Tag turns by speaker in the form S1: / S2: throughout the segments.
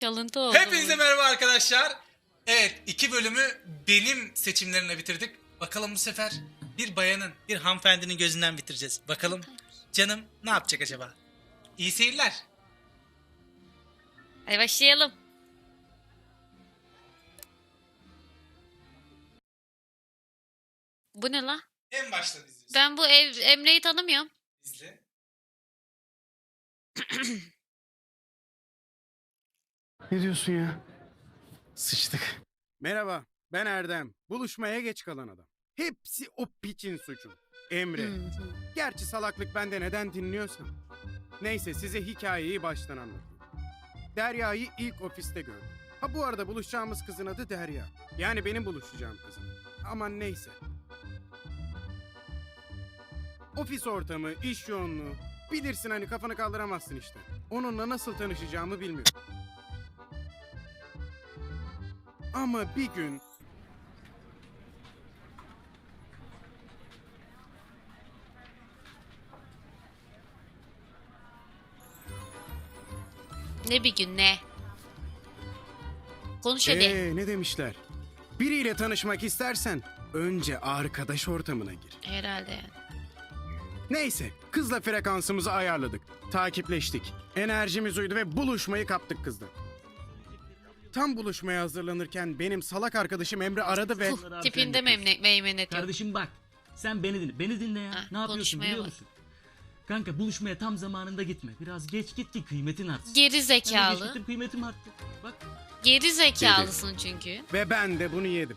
S1: Çalıntı oldu.
S2: Hepinize merhaba arkadaşlar. Evet, 2 bölümü benim seçimlerimle bitirdik. Bakalım bu sefer bir bayanın, bir hanımefendinin gözünden bitireceğiz. Bakalım canım ne yapacak acaba? İyi seyirler.
S1: Hadi başlayalım. Bu ne la?
S2: En baştan izliyorsun.
S1: Ben bu Emre'yi tanımıyorum.
S2: İzle.
S3: Ne diyorsun ya? Sıçtık. Merhaba, ben Erdem. Buluşmaya geç kalan adam. Hepsi o piçin suçu. Emre. Gerçi salaklık bende, neden dinliyorsan. Neyse, size hikayeyi baştan anlatayım. Derya'yı ilk ofiste gördüm. Ha, bu arada buluşacağımız kızın adı Derya. Yani benim buluşacağım kızım. Aman neyse. Ofis ortamı, iş yoğunluğu. Bilirsin hani, kafanı kaldıramazsın işte. Onunla nasıl tanışacağımı bilmiyorum. Ama bir gün
S1: Ne bir gün ne? Konuş hadi.
S3: ne demişler? Biriyle tanışmak istersen önce arkadaş ortamına gir.
S1: Herhalde yani.
S3: Neyse, kızla frekansımızı ayarladık. Takipleştik. Enerjimiz uydu ve buluşmayı kaptık kızla. Tam buluşmaya hazırlanırken benim salak arkadaşım Emre aradı ve...
S1: Tipinde meymenet yok.
S4: Kardeşim bak, sen beni dinle. Beni dinle ya.
S1: Ha,
S4: ne yapıyorsun
S1: konuşmaya
S4: biliyor
S1: bak.
S4: musun? Kanka, buluşmaya tam zamanında gitme. Biraz geç git ki kıymetin artsın.
S1: Geri
S4: Ben de geç
S1: zekalı.
S4: gittim, kıymetim arttı. Bak.
S1: Geri zekalısın çünkü.
S3: Ve ben de bunu yedim.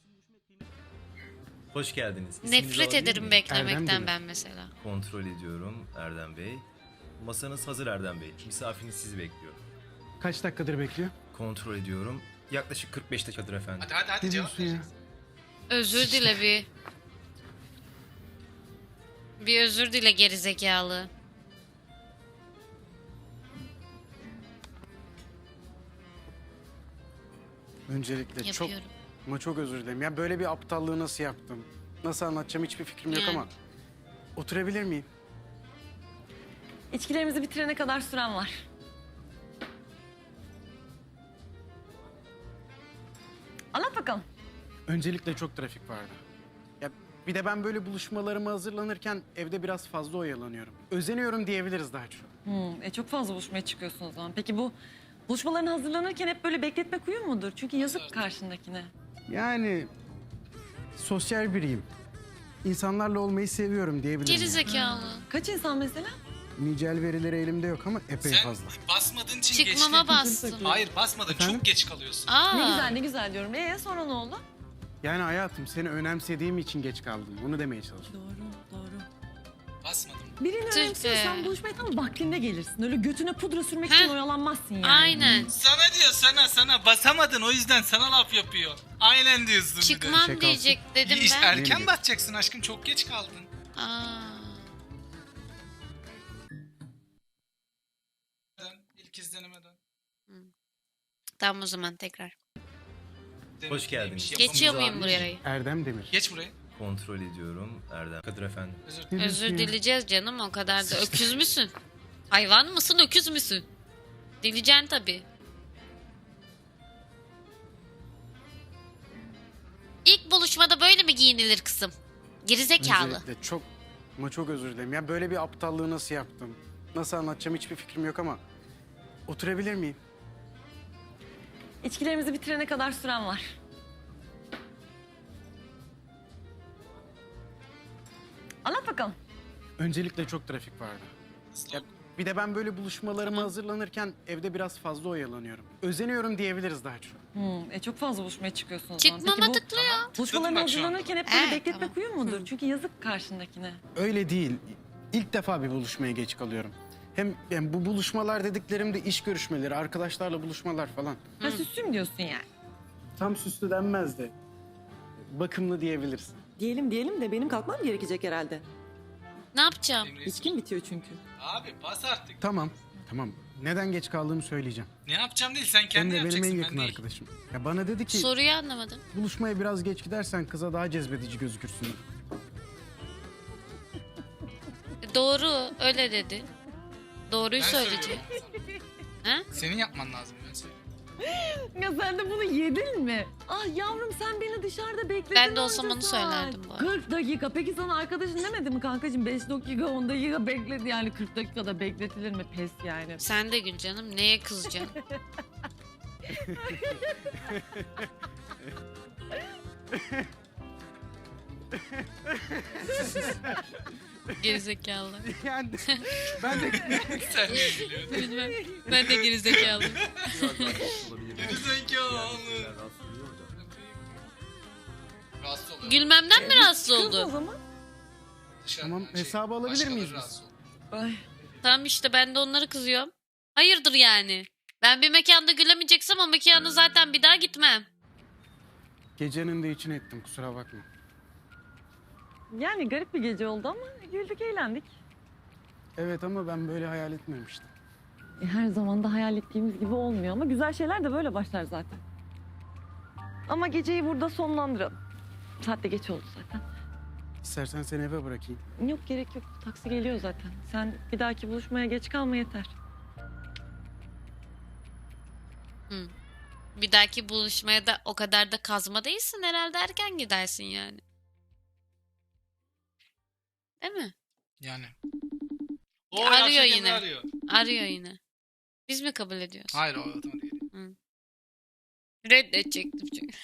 S5: Hoş geldiniz. İsminizi
S1: Nefret
S5: alabilir
S1: ederim
S5: miyim?
S3: Erdem
S1: beklemekten
S3: Demir.
S1: ben mesela.
S5: Kontrol ediyorum Erdem Bey. Masanız hazır Erdem Bey. Misafiriniz sizi bekliyor.
S3: Kaç dakikadır bekliyor?
S5: Kontrol ediyorum. Yaklaşık 45 dakikadır efendim.
S2: Hadi
S3: Ne
S2: cevap
S3: diyorsun ya?
S2: vereceksin.
S1: Özür dile bir. Bir özür dile geri zekalı.
S3: Öncelikle
S1: Yapıyorum.
S3: çok özür dilerim. Ya böyle bir aptallığı nasıl yaptım? Nasıl anlatacağım hiçbir fikrim yok
S1: Yani.
S3: ama... Oturabilir miyim?
S6: İçkilerimizi bitirene kadar süren var. Anlat bakalım.
S3: Öncelikle çok trafik vardı. Ya bir de ben böyle buluşmalarıma hazırlanırken evde biraz fazla oyalanıyorum. Özeniyorum diyebiliriz daha çok.
S6: Çok fazla buluşmaya çıkıyorsun o zaman. Peki bu buluşmaların hazırlanırken hep böyle bekletmek uyum mudur? Çünkü yazık karşındakine.
S3: Yani sosyal biriyim. İnsanlarla olmayı seviyorum diyebilirim.
S1: Geri zekalı.
S6: Kaç insan mesela?
S3: Nicel verileri elimde yok ama epey
S2: Sen
S3: fazla.
S2: basmadığın için
S1: Çıkmama
S2: geçtin.
S1: bastım.
S2: Hayır, basmadın.
S3: Efendim?
S2: Çok geç kalıyorsun.
S1: Aa.
S6: Ne güzel ne güzel diyorum. Sonra ne oldu?
S3: Yani hayatım, seni önemsediğim için geç kaldım. Bunu demeye çalışıyorum.
S6: Doğru.
S2: Basmadım.
S6: Birini
S1: Tüh be.
S6: önemsiyorsan buluşmaya tam vaktinde gelirsin. Öyle götüne pudra sürmek
S1: Heh.
S6: için oyalanmazsın yani.
S1: Aynen.
S2: Sana diyor, sana basamadın, o yüzden sana laf yapıyor. Aynen diyorsun bir de.
S1: Çıkmam
S3: Şaka
S1: diyecek dedim
S2: İyi,
S1: ben.
S2: erken
S3: Benim-
S2: batacaksın aşkım, çok geç kaldın.
S1: Aa.
S2: İlk izlenemeden.
S1: Tamam o zaman tekrar.
S5: Hoş geldiniz.
S1: Geçiyor muyum
S5: alabilir
S1: burayı?
S3: Erdem Demir.
S2: Geç buraya.
S5: Kontrol ediyorum Erdem. Kadir efendim.
S2: Özür
S3: Ne diyorsun
S1: Özür
S3: ya?
S1: dileyeceğiz canım, o kadar da. Öküz müsün? Hayvan mısın, öküz müsün? Dileyeceksin tabii. İlk buluşmada böyle mi giyinilir kızım? Gerizekalı.
S3: Öncelikle çok özür dilerim. Ya böyle bir aptallığı nasıl yaptım? Nasıl anlatacağım hiçbir fikrim yok ama... Oturabilir miyim?
S6: İçkilerimizi bitirene kadar süren var. Anlat bakalım.
S3: Öncelikle çok trafik vardı. Ya bir de ben böyle buluşmalarıma hazırlanırken evde biraz fazla oyalanıyorum. Özeniyorum diyebiliriz daha çok.
S6: Çok fazla buluşmaya çıkıyorsun o zaman.
S1: Çıkmama
S6: Peki bu
S1: tıklıyor.
S6: buluşmalarına
S2: Tıkladım bak şu anda.
S6: hazırlanırken hep böyle bekletmek
S1: Tamam.
S6: uyum mudur? Çünkü yazık karşındakine.
S3: Öyle değil. İlk defa bir buluşmaya geç kalıyorum. Hem yani bu buluşmalar dediklerim de iş görüşmeleri, arkadaşlarla buluşmalar falan.
S6: Ha süslüm diyorsun yani.
S3: Tam süslü denmez de bakımlı diyebiliriz.
S7: Diyelim de benim kalkmam gerekecek herhalde.
S1: Ne yapacağım?
S7: İçkim bitiyor çünkü.
S2: Abi bas artık.
S3: Tamam. Neden geç kaldığımı söyleyeceğim.
S2: Ne yapacağım değil, sen kendin
S3: Emre benim
S2: yapacaksın,
S3: en
S2: ben
S3: yakın
S2: değil.
S3: arkadaşım. Ya bana dedi ki
S1: Soruyu anlamadım.
S3: buluşmaya biraz geç gidersen kıza daha cezbedici gözükürsün.
S1: Doğru, öyle dedi. Doğruyu
S2: Ben
S1: söyleyecek.
S2: söylüyorum.
S1: Ha?
S2: Senin yapman lazım, ben söylüyorum.
S6: Ya sen de bunu yedin mi? Ah yavrum sen beni dışarıda bekledin.
S1: Ben de olsam
S6: onca
S1: onu
S6: saat.
S1: söylerdim bu arada.
S6: 40 dakika. Peki sana arkadaşın demedi mi kankacığım? 5 dakika 10 dakika bekledi yani 40 dakikada bekletilir mi? Pes yani.
S1: Sen de gül canım. Neye kızacaksın? Gerizekalı.
S3: Yani ben de
S2: Sen niye gülüyorsun?
S1: Bilmem. Ben de gerizekalıyım.
S2: Gerizekalı. Rahatsız oluyor.
S1: Gülmemden mi rahatsız
S6: Kız o
S1: oldu?
S6: zaman.
S3: Tamam, hesabı alabilir miyiz biz?
S2: rahatsız oluyor.
S6: Ay.
S1: Tamam işte ben de onları kızıyorum. Hayırdır yani? Ben bir mekanda gülemeyeceksem o mekana zaten bir daha gitmem.
S3: Gecenin de için ettim, kusura bakma.
S6: Yani garip bir gece oldu ama güldük eğlendik.
S3: Evet ama ben böyle hayal etmemiştim.
S6: Her zaman da hayal ettiğimiz gibi olmuyor ama güzel şeyler de böyle başlar zaten. Ama geceyi burada sonlandıralım. Saat de geç oldu zaten.
S3: İstersen seni eve bırakayım.
S6: Yok gerek yok. Taksi geliyor zaten. Sen bir dahaki buluşmaya geç kalma yeter.
S1: Bir dahaki buluşmaya da o kadar da kazma değilsin herhalde, erken gidersin yani. Değil mi?
S2: Yani.
S1: Arıyor
S2: Ayşe
S1: yine.
S2: Kemal Arıyor.
S1: Arıyor yine. Biz mi kabul ediyoruz?
S2: Hayır o otomatik geliyor.
S1: Reddedecektim çünkü.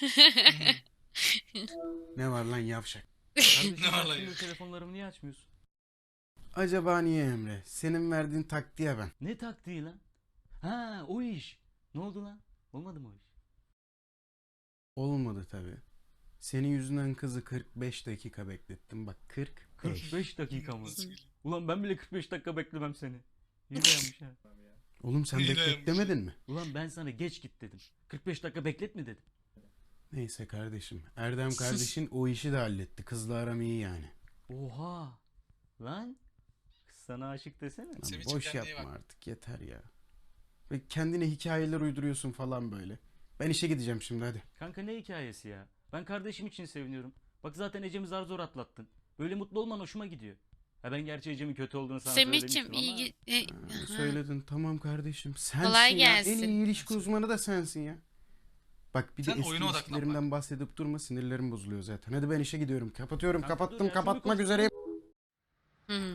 S3: Ne var lan yavşak?
S4: Kardeşim,
S2: Ne var lan
S4: açtığında
S2: ya?
S4: telefonlarımı niye açmıyorsun?
S3: Acaba niye Emre? Senin verdiğin taktiğe ben.
S4: Ne taktiği lan? Ha o iş. Ne oldu lan? Olmadı mı o iş?
S3: Olmadı tabii. Senin yüzünden kızı 45 dakika beklettim. Bak 45.
S4: 45 dakika mı? Ulan ben bile 45 dakika beklemem seni. İyi dayanmış ha.
S3: Oğlum sen
S2: Yine
S3: beklet
S2: yapmış.
S3: demedin mi?
S4: Ulan ben sana geç git dedim. 45 dakika beklet mi dedim.
S3: Neyse kardeşim. Erdem kardeşin o işi de halletti. Kızla aram iyi yani.
S4: Oha. Lan. Kız sana aşık desene.
S3: Lan
S2: Semih'cim
S3: boş
S2: kendine iyi
S3: yapma
S2: bak.
S3: artık yeter ya. Ve kendine hikayeler uyduruyorsun falan böyle. Ben işe gideceğim şimdi hadi.
S4: Kanka ne hikayesi ya? Ben kardeşim için seviniyorum. Bak zaten Ecem'i zar zor atlattın. Böyle mutlu olman hoşuma gidiyor. Ha ben gerçi Ecem'in kötü olduğunu sana
S1: Semih'cim
S4: söylemiştim ama...
S1: iyi
S3: Ha, söyledin tamam kardeşim. Sensin
S1: Kolay
S3: ya. En
S1: gelsin.
S3: iyi ilişki uzmanı da sensin ya. Bak bir de
S2: Sen
S3: eski
S2: oyuna odaklan
S3: ilişkilerimden bahsedip durma, sinirlerim bozuluyor zaten. Hadi ben işe gidiyorum. Kapatıyorum.
S4: Kanka dur
S3: Kapattım.
S4: ya, şunu
S3: Kapatmak
S4: konuş-
S3: üzereyim.
S1: Hı.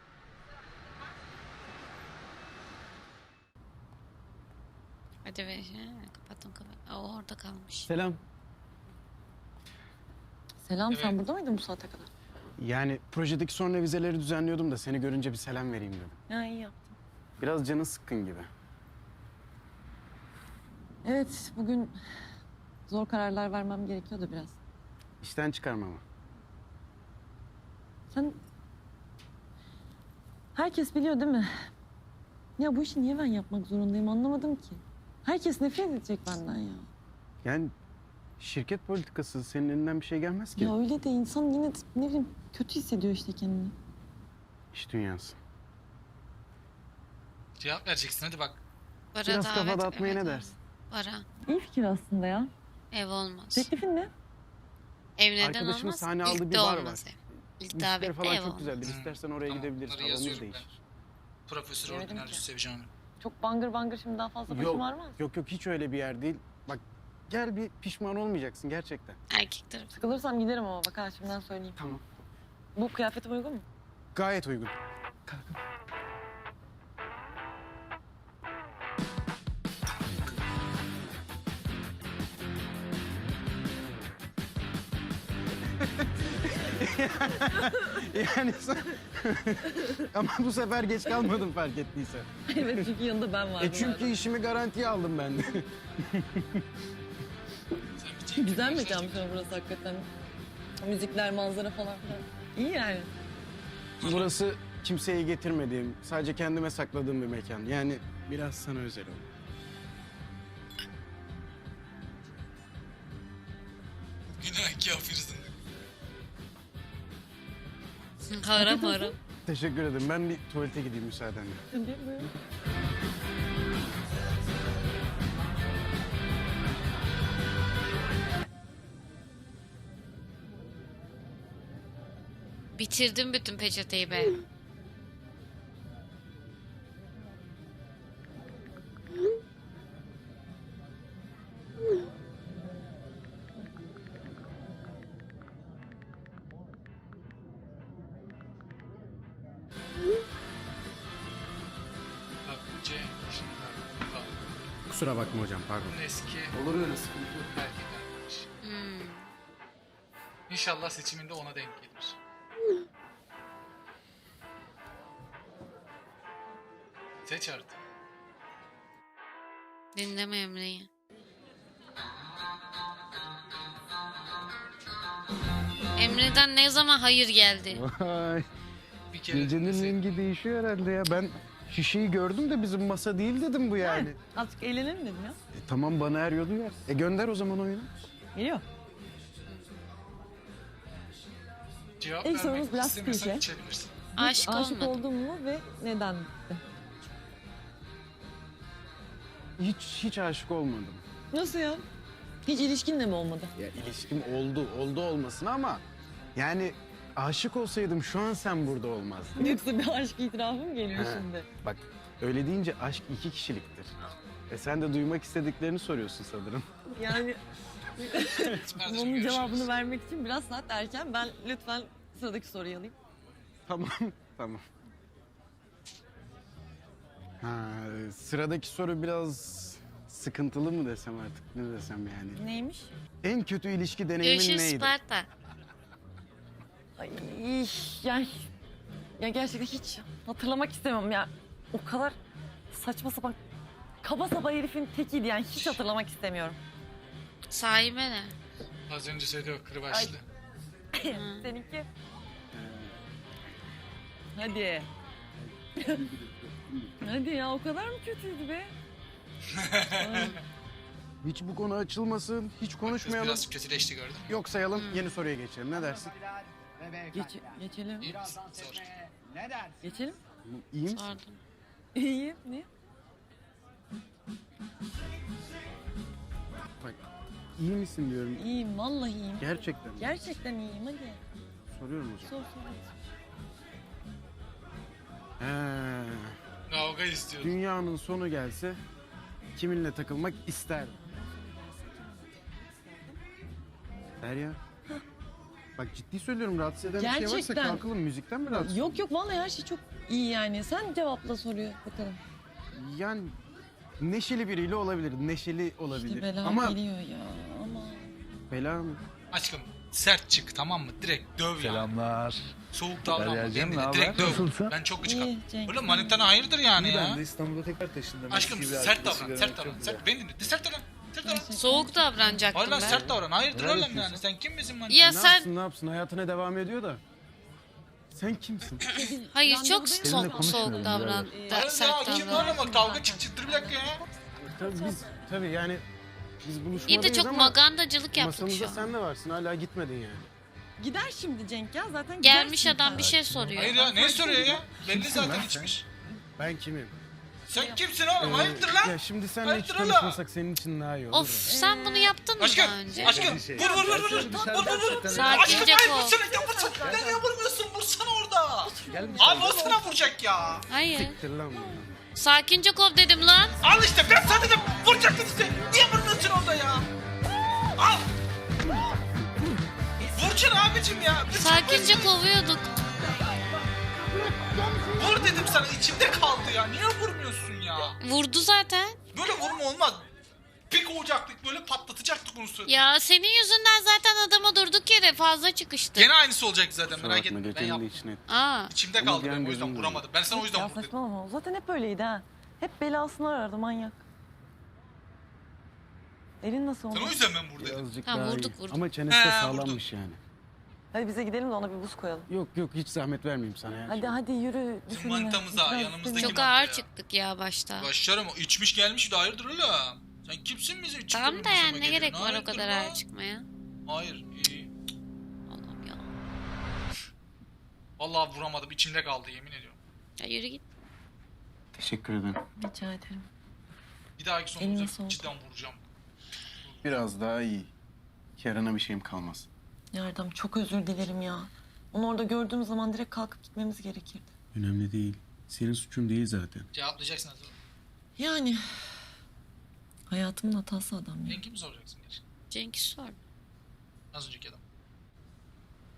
S1: Hadi ver. Kapattım kapat. O orada kalmış.
S3: Selam.
S6: Selam
S2: Evet.
S6: sen burada mıydın bu saate kadar?
S3: Yani projedeki son revizeleri düzenliyordum da seni görünce bir selam vereyim dedim.
S6: Ya iyi yaptın.
S3: Biraz canı sıkkın gibi.
S6: Evet bugün zor kararlar vermem gerekiyordu biraz.
S3: İşten çıkarmama.
S6: Sen... Herkes biliyor değil mi? Ya bu işi niye ben yapmak zorundayım anlamadım ki. Herkes nefret edecek benden ya.
S3: Yani şirket politikası senin elinden bir şey gelmez ki.
S6: Ya öyle de insan yine de ne bileyim kötü hissediyor işte kendini.
S3: İş dünyası.
S2: Cevap vereceksin hadi bak.
S1: Bara
S3: Biraz
S1: davet-
S3: kafa dağıtmaya
S1: evet,
S3: ne
S1: evet.
S3: dersin?
S1: Bara.
S6: İyi fikir aslında ya.
S1: Ev olmaz.
S6: Teklifin ne?
S1: Ev neden
S3: Arkadaşımın
S1: olmaz?
S3: sahne
S1: İlk
S3: aldığı bir
S1: de
S3: bar
S1: olmaz
S3: var.
S1: ev. İlk
S3: Müzikleri
S1: davette
S3: falan
S1: ev
S3: çok
S1: olmaz.
S3: güzeldir.
S2: Hı.
S3: İstersen oraya
S2: Tamam,
S3: gidebiliriz.
S2: bunları
S3: Havamız
S2: yazıyorum
S3: değişir.
S2: Profesör
S6: Yemedim
S2: Ordinarius
S6: ki.
S2: Sevcan Hanım.
S6: Çok bangır bangır şimdi daha fazla başım
S3: Yok,
S6: ağrımaz.
S3: yok yok hiç öyle bir yer değil. Bak gel bir pişman olmayacaksın gerçekten.
S1: Erkek tarafı.
S6: Sıkılırsam giderim ama bak ha şimdiden söyleyeyim.
S3: Tamam.
S6: Bu kıyafetim uygun mu?
S3: Gayet uygun. Yani sen... Ama bu sefer geç kalmadım fark ettiysen.
S6: Evet çünkü yanında ben vardım.
S3: Çünkü işimi garantiye aldım ben de.
S6: Güzel mekanmış ama burası hakikaten. Müzikler, manzara falan filan. İyi yani.
S3: Burası kimseye getirmediğim, sadece kendime sakladığım bir mekan. Yani biraz sana özel oldu.
S2: Günah kafirsın.
S1: Haram haram.
S3: Teşekkür ederim. Ben bir tuvalete gideyim müsaadenle.
S1: Bitirdim bütün peçeteyi be.
S3: Kusura bakma hocam, pardon.
S2: Bunun eski
S3: Olur öyle, sıkıntı yok.
S2: erkek arkadaş.
S1: Hmm.
S2: İnşallah seçiminde ona denk gelir. Seç artık.
S1: Dinleme Emre'yi. Emre'den ne zaman hayır geldi?
S3: Vay,
S2: Bir kere
S3: gecenin
S2: dinlesek.
S3: rengi değişiyor herhalde ya. Ben şişeyi gördüm de bizim masa değil dedim bu yani.
S6: Azıcık eğlenelim dedim ya.
S3: Tamam, bana eriyordu yer. Gönder o zaman oyunu.
S6: Geliyor.
S2: Cevap
S6: İlk sorumuz
S2: vermek
S6: biraz
S2: istemiyorsan
S6: klişe.
S2: içebilirsin.
S1: Aşık
S6: Aşık
S1: olmadım.
S6: oldun mu ve neden?
S3: Hiç aşık olmadım.
S6: Nasıl ya? Hiç ilişkinle mi olmadı?
S3: Ya ilişkim oldu olmasın ama yani aşık olsaydım şu an sen burada olmazdın.
S6: Yoksa bir aşk itirafı mı geliyor
S3: He.
S6: şimdi?
S3: Bak, öyle deyince aşk 2 kişiliktir. Sen de duymak istediklerini soruyorsun sanırım.
S6: Yani
S2: Kardeşim,
S6: bunun
S2: görüşürüz.
S6: cevabını vermek için biraz saat erken. Ben lütfen sıradaki soruyu alayım.
S3: Tamam, tamam. Sıradaki soru biraz sıkıntılı mı desem artık, ne desem yani.
S6: Neymiş?
S3: En kötü ilişki deneyimin
S1: Görüşürüz
S3: neydi?
S1: Sparta.
S6: Ay, ya gerçekten hiç hatırlamak istemem ya. O kadar saçma sapan kaba saba herifin tekiydi yani hiç hatırlamak istemiyorum.
S1: Sahibe ne?
S2: Az önce söyledi o kırbaçlı.
S6: Seninki? Hadi. Hadi ya o kadar mı kötüydü be? Ay,
S3: Hiç bu konu açılmasın, hiç
S2: Kız
S3: konuşmayalım.
S2: biraz kötüleşti gördün mü?
S3: Yok sayalım, yeni soruya geçelim. Ne dersin?
S6: geçelim.
S2: İyi misin? Sor.
S6: Geçelim.
S3: İyi misin?
S1: Sordum.
S6: İyi. Ne?
S3: Bak, iyi misin diyorum.
S6: İyiyim vallahi iyiyim.
S3: Gerçekten.
S6: Gerçekten iyiyim hadi.
S3: Soruyorum hocam.
S6: Sor.
S2: Kavga istiyorum.
S3: Dünyanın sonu gelse kiminle takılmak ister? Derya. Bak, ciddi söylüyorum, rahatsız eden bir şey varsa
S6: Gerçekten.
S3: kalkalım, müzikten mi rahatsız?
S6: Yok vallahi her şey çok iyi yani. Sen cevapla soruyor bakalım.
S3: Yani neşeli biriyle olabilir, neşeli olabilir.
S6: İşte bela
S3: Ama
S6: geliyor ya ama.
S3: bela mı?
S2: Aşkım sert çık, tamam mı? Direkt döv ya.
S8: Selamlar.
S2: Soğuk davranma.
S8: Deryacığım,
S2: Kendine
S8: ne
S2: direkt
S8: haber?
S2: döv.
S8: Nasılsın?
S2: Ben çok gıcık
S6: İyi Cenk.
S2: Oğlum manitana hayırdır yani
S8: İyi,
S2: ya.
S8: ben de İstanbul'a tekrar taşındım.
S2: Aşkım
S8: Eski bir
S2: sert
S8: arkadaşı
S2: davran,
S8: görmek
S2: sert
S8: çok
S2: davran.
S8: güzel.
S2: Sert, beni dinle. Sert davran. Sert davran.
S1: Soğuk davranacaktım
S2: Hayır lan
S1: ben.
S2: sert davran. Hayırdır
S8: Neler
S2: oğlum
S8: yapıyorsun?
S2: yani. Sen kim bizim manita?
S1: Ya
S3: Ne
S1: sen
S3: yapsın, hayatına devam ediyor da. Sen kimsin?
S1: hayır çok
S6: Randevudayım.
S1: soğuk,
S8: Seninle konuşmuyorum
S1: soğuk davran.
S6: birader.
S1: Da,
S2: Hayır
S1: sert
S2: ya kim
S1: davran.
S2: var ama kavga çıktı bir dakika ya.
S3: Tabii yani biz
S1: İyi
S3: buluşmadayız
S1: de çok
S3: ama
S1: magandacılık yaptık şu
S3: masamızda
S1: an.
S3: sen de varsın, hala gitmedin yani.
S6: Gider şimdi Cenk ya zaten
S1: Gelmiş
S6: gidersin
S1: adam
S6: sen.
S1: bir şey soruyor.
S2: Hayır ya ne soruyor ya? Belli
S3: Kimsin
S2: zaten
S3: lan sen?
S2: içmiş.
S3: Ben kimim?
S2: Sen kimsin oğlum? Hayırdır
S3: Ya
S2: lan?
S3: şimdi seninle hiç
S2: Hayırdır oğlum?
S3: konuşmasak senin için daha iyi olur.
S1: Of sen bunu yaptın mı
S2: Aşkım,
S1: daha önce?
S2: aşkım
S8: Şey,
S2: vur vur vur vur vur
S8: dışarıda
S2: vur vur vur.
S8: gerçekten-
S1: Sakince
S2: Aşkım hayır
S1: kov.
S2: vursana ya vursana. Ya niye vurmuyorsun? Vursana orada. Abi o sana vuracak ya.
S1: Hayır.
S3: Siktir lan bunu.
S1: Sakince kov dedim lan.
S2: Al işte ben sana dedim vuracaktın işte. Niye vurmuyorsun orada ya? Al. Vuracaksın abicim ya.
S1: Sakince kovuyorduk.
S2: Vur dedim sana içimde kaldı ya. Niye vurmuyorsun ya?
S1: Vurdu zaten.
S2: Böyle vurma olmaz. Bir kovacaktık böyle patlatacaktık onu sonra.
S1: Ya senin yüzünden zaten adama durduk yere fazla çıkıştı.
S2: Gene aynısı olacak zaten
S3: Kusura
S2: merak
S3: bakma,
S2: etme. Ben
S3: gecenin de
S2: yaptım.
S3: içine.
S1: Aa.
S2: İçimde
S3: Ama
S2: kaldı
S3: bir an
S2: benim o yüzden
S3: gözüm
S2: vuramadım. Ben sana o yüzden
S6: Ya
S2: vurdum.
S6: saçmalama o zaten hep öyleydi ha. Hep belasını arardı manyak. Elin nasıl oldu?
S2: Sen o yüzden ben buradaydım.
S3: Birazcık
S1: Tamam,
S3: daha
S1: vurduk,
S3: iyi.
S1: vurduk.
S3: Ama çenesi de
S2: He,
S3: sağlammış yani.
S6: Hadi bize gidelim de ona bir buz koyalım.
S3: Yok hiç zahmet vermeyeyim sana ya.
S6: Hadi yürü.
S2: Bizim
S6: düşünme.
S2: manitamıza,
S6: Biraz
S2: yanımızdaki
S6: düşünme.
S1: Çok
S2: Kim
S1: ağır
S2: attı ya?
S1: çıktık ya başta.
S2: Başlarım içmiş gelmiş de hayırdır oğlum. Sen kimsin bizi içip
S1: Tamam da
S2: benim
S1: yani
S2: masama
S1: ne gerek
S2: geliyorsun?
S1: var o
S2: Hayırdır
S1: kadar
S2: lan?
S1: ağır çıkmaya?
S2: Hayır iyi.
S1: Allah'ım ya.
S2: Vallahi vuramadım içimde kaldı yemin ediyorum.
S1: Ya yürü git.
S3: Teşekkür ederim.
S6: Rica ederim.
S2: Bir dahaki
S6: Eline
S2: sonumuza
S6: sağlık.
S2: cidden vuracağım.
S3: Biraz daha iyi. Yarına bir şeyim kalmaz.
S6: Yardım çok özür dilerim ya. Onu orada gördüğüm zaman direkt kalkıp gitmemiz gerekirdi.
S3: Önemli değil. Senin suçun değil zaten.
S2: Cevaplayacaksın hazır.
S6: Yani hayatımın hatası adam ya.
S2: Ben kimi soracaksın gerçekten?
S1: Cenk'i sor.
S2: Az önceki adam.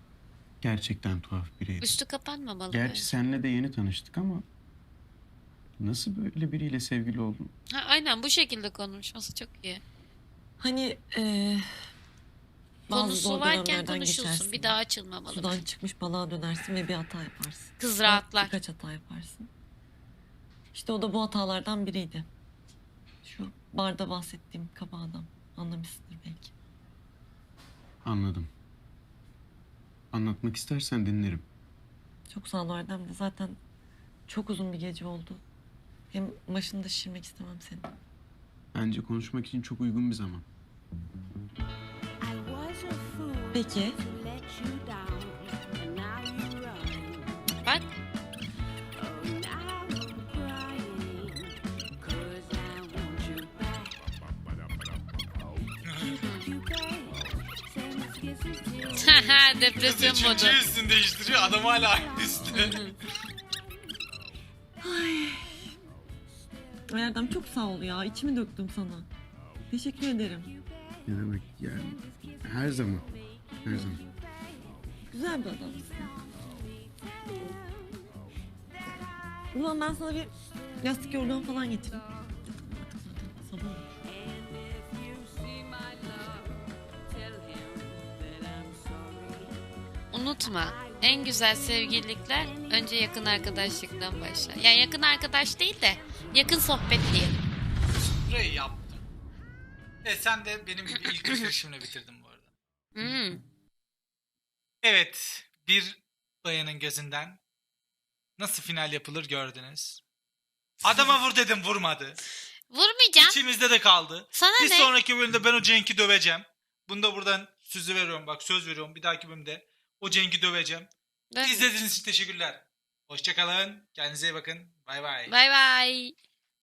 S3: Gerçekten tuhaf biriydi.
S1: Üstü kapanmamalı
S3: Gerçi
S1: böyle.
S3: seninle de yeni tanıştık ama Nasıl böyle biriyle sevgili oldun?
S1: Ha, aynen bu şekilde konuşması çok iyi.
S7: Hani bazı
S1: Konusu
S7: zor
S1: varken
S7: dönemlerden
S1: konuşulsun.
S7: geçersin.
S1: Bir daha açılmamalı.
S7: Sudan çıkmış balığa dönersin ve bir hata yaparsın.
S1: Kız rahatlar.
S7: Birkaç hata yaparsın. İşte o da bu hatalardan biriydi. Şu barda bahsettiğim kaba adam. Anlamışsındır belki.
S3: Anladım. Anlatmak istersen dinlerim.
S7: Çok sağ ol Erdem de zaten çok uzun bir gece oldu. Hem başını da şişirmek istemem senin.
S3: Bence konuşmak için çok uygun bir zaman.
S7: Peki.
S1: Bak. Depresyon modu.
S2: Üçüncü üstünü değiştiriyor. Adam hala aynı üstü.
S7: Erdem çok sağ ol ya. İçimi döktüm sana. Teşekkür ederim.
S3: Ne demek yani? Her zaman. Her zaman.
S7: Güzel bir adamsın. O zaman ben sana bir yastık yorgan falan getireyim. Artık zaten sabah oldu.
S1: Unutma. En güzel sevgililikler önce yakın arkadaşlıktan başlar. Yani yakın arkadaş değil de yakın sohbet diye.
S2: Burayı yaptım. Sen de benim gibi ilk bitirişimle bitirdin bu arada.
S1: Hmm.
S2: Evet, bir bayanın gözünden nasıl final yapılır gördünüz. Adama vur dedim, vurmadı.
S1: Vurmayacağım.
S2: İçimizde de kaldı.
S1: Sana
S2: Bir
S1: ne?
S2: sonraki bölümde ben o Cenk'i döveceğim. Bunu da buradan sözü veriyorum, bak söz veriyorum. Bir dahaki bölümde o Cenk'i döveceğim.
S1: Ben-
S2: İzlediğiniz için teşekkürler. Hoşçakalın. Kendinize iyi bakın. Bay bay.
S1: Bay bay.